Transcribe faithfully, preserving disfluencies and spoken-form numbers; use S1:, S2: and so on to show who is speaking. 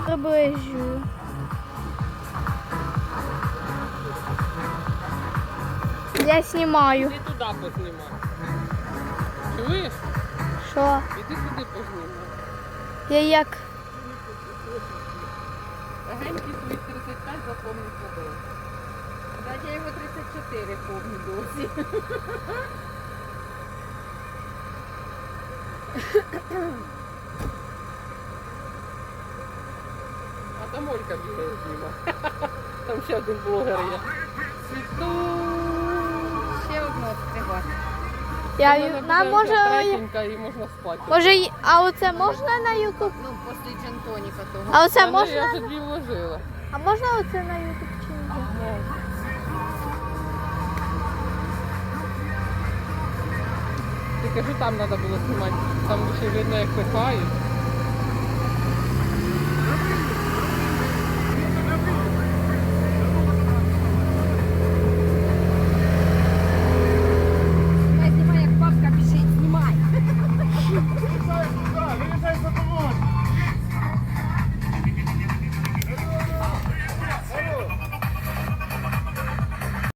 S1: приближую. Я знімаю.
S2: Іди туди познімай. Чуєш?
S1: Що?
S2: Іди туди познімай.
S1: Я як?
S2: Агенький свої тридцять п'ять запомнить надовго. Да, я його тридцять чотири помню досі. А там Олька бігає зніма. Там ще один блогер є. Світу. Ще одну відкривати.
S1: Я,
S2: Вона
S1: ю-
S2: буде
S1: нам
S2: вже
S1: може,
S2: третенька і можна спати.
S1: може, й- а оце можна на ютуб?
S2: Ну, після джентоніка того.
S1: А оце
S2: Та ні,
S1: можна?
S2: Я вже дві вложила.
S1: А можна оце на ютуб чи ні?
S2: Ти кажу, там треба було знімати. Там ще видно, як пихають.